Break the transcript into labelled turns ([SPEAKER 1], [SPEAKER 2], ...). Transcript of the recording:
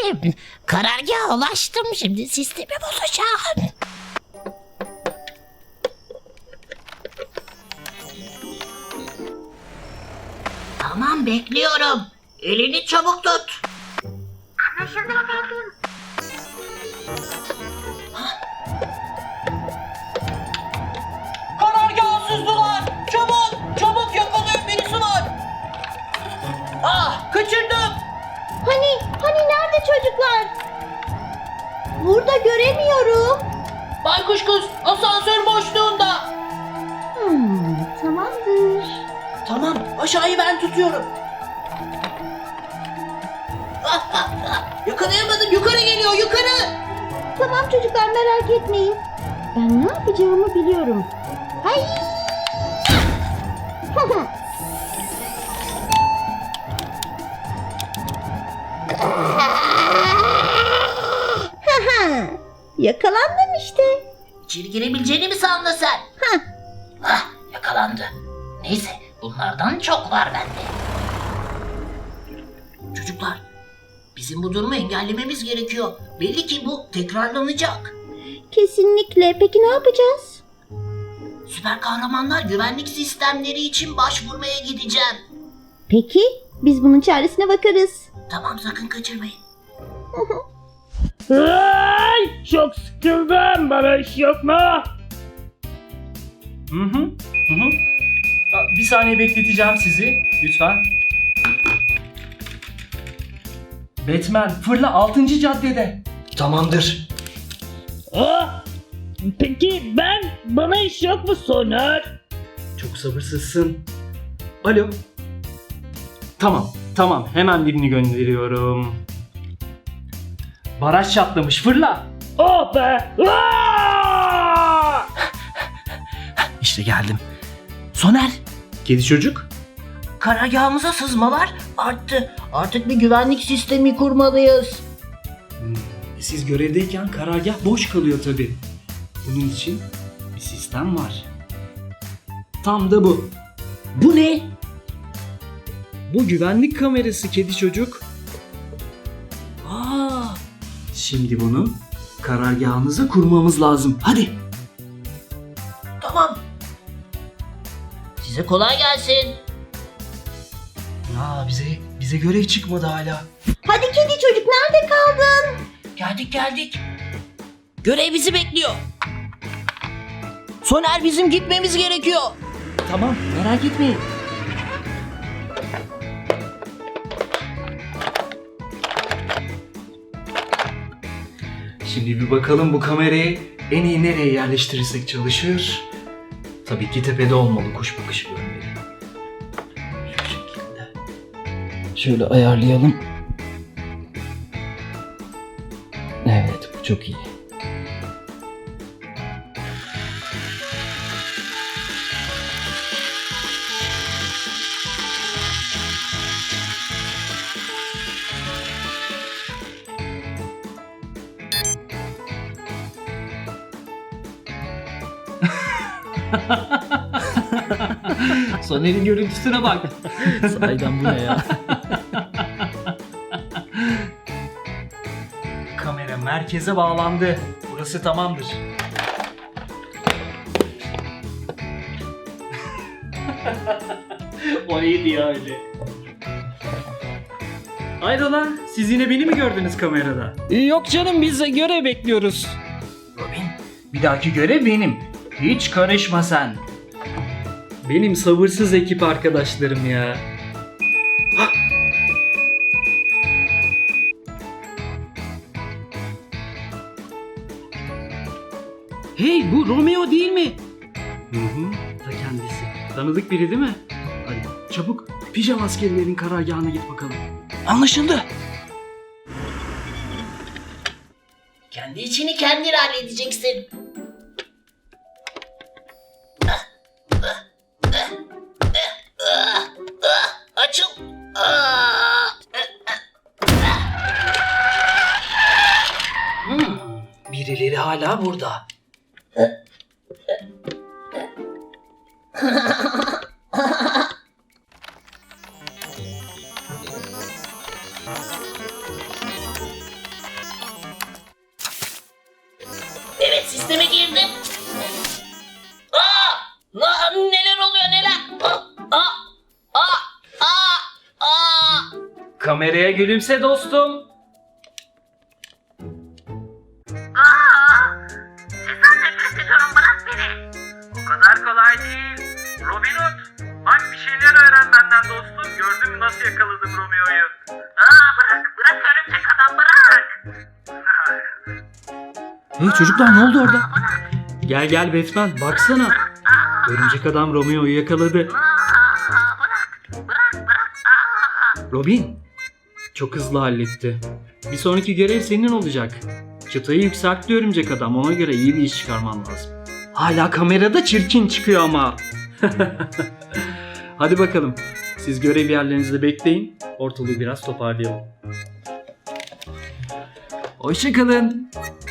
[SPEAKER 1] Geldim. Karargaha ulaştım. Şimdi sistemi bozacağım. Tamam, bekliyorum. Elini çabuk tut. Anlaşıldı efendim.
[SPEAKER 2] Karargahsızdılar! Çabuk! Çabuk yakalayın, birisi var! Ah! Kaçırdım!
[SPEAKER 3] Hani nerede çocuklar? Burada göremiyorum.
[SPEAKER 2] Baykuş kız asansör boşluğunda!
[SPEAKER 3] Tamamdır.
[SPEAKER 2] Tamam, aşağıyı ben tutuyorum. Yakalayamadım, yukarı geliyor, yukarı!
[SPEAKER 3] Tamam çocuklar, merak etmeyin. Ben ne yapacağımı biliyorum. Hay! Yakalandım işte.
[SPEAKER 1] İçeri girebileceğini mi sandın sen?
[SPEAKER 3] Hah.
[SPEAKER 1] Ah, yakalandı. Neyse, bunlardan çok var bende. Çocuklar, bizim bu durumu engellememiz gerekiyor. Belli ki bu tekrarlanacak.
[SPEAKER 3] Kesinlikle. Peki ne yapacağız?
[SPEAKER 1] Süper kahramanlar güvenlik sistemleri için başvurmaya gideceğim.
[SPEAKER 3] Peki, biz bunun çaresine bakarız.
[SPEAKER 1] Tamam, sakın kaçırmayın.
[SPEAKER 4] Ay, çok sıkıldım. Bana iş yok mu? Hı. Bir saniye bekleteceğim sizi. Lütfen. Batman, fırla 6. caddede.
[SPEAKER 2] Tamamdır.
[SPEAKER 4] Peki bana iş yok mu Soner?
[SPEAKER 5] Çok sabırsızsın. Alo. Tamam. Hemen birini gönderiyorum. Baraj çatlamış. Fırla.
[SPEAKER 4] Oh be!
[SPEAKER 5] İşte geldim. Soner. Kedi çocuk.
[SPEAKER 1] Karargahımıza sızmalar arttı. Artık bir güvenlik sistemi kurmalıyız.
[SPEAKER 5] Siz görevdeyken karargah boş kalıyor tabii. Bunun için bir sistem var. Tam da bu.
[SPEAKER 1] Bu ne?
[SPEAKER 5] Bu güvenlik kamerası kedi çocuk. Şimdi bunu karargahınıza kurmamız lazım. Hadi.
[SPEAKER 1] Tamam. Size kolay gelsin.
[SPEAKER 5] Bize görev çıkmadı hala.
[SPEAKER 3] Hadi kedi çocuk, nerede kaldın?
[SPEAKER 1] Geldik. Görev bizi bekliyor. Soner, bizim gitmemiz gerekiyor.
[SPEAKER 5] Tamam, merak etmeyin. Şimdi bir bakalım bu kamerayı en iyi nereye yerleştirirsek çalışır. Tabii ki tepede olmalı, kuş bakışı görmeli. Şu şekilde. Şöyle ayarlayalım. Evet, bu çok iyi. Soner'in görüntüsüne bak.
[SPEAKER 4] Sahiden bu ne ya?
[SPEAKER 5] Kamera merkeze bağlandı. Burası tamamdır.
[SPEAKER 4] O neydi ya öyle?
[SPEAKER 5] Hayrola, siz yine beni mi gördünüz kamerada?
[SPEAKER 4] Yok canım, biz de görev bekliyoruz.
[SPEAKER 5] Robin, bir dahaki görev benim. Hiç karışma sen. Benim sabırsız ekip arkadaşlarım ya. Hey, bu Romeo değil mi? Hı, ta kendisi. Tanıdık biri değil mi? Hadi çabuk pijama askerlerin karargahına git bakalım.
[SPEAKER 1] Anlaşıldı. Kendi işini kendin halledeceksin. Açıl.
[SPEAKER 5] Birileri hala burada.
[SPEAKER 2] Sisteme girdim. Neler oluyor neler?
[SPEAKER 5] Kameraya gülümse dostum.
[SPEAKER 4] O kadar kolay değil. Robin Hood, bak bir şeyler öğren benden dostum. Gördün mü nasıl yakaladım Romeo'yu? Bırak örümcek adam bırak.
[SPEAKER 5] Hey çocuklar, ne oldu orada? Gel Batman, baksana. Örümcek adam Romeo'yu yakaladı. Robin, çok hızlı halletti. Bir sonraki görev senin olacak. Çıtayı yükseltti örümcek adam, ona göre iyi bir iş çıkarman lazım. Hala kamerada çirkin çıkıyor ama. Hadi bakalım, siz görev yerlerinizde bekleyin. Ortalığı biraz toparlayalım. Hoşça kalın.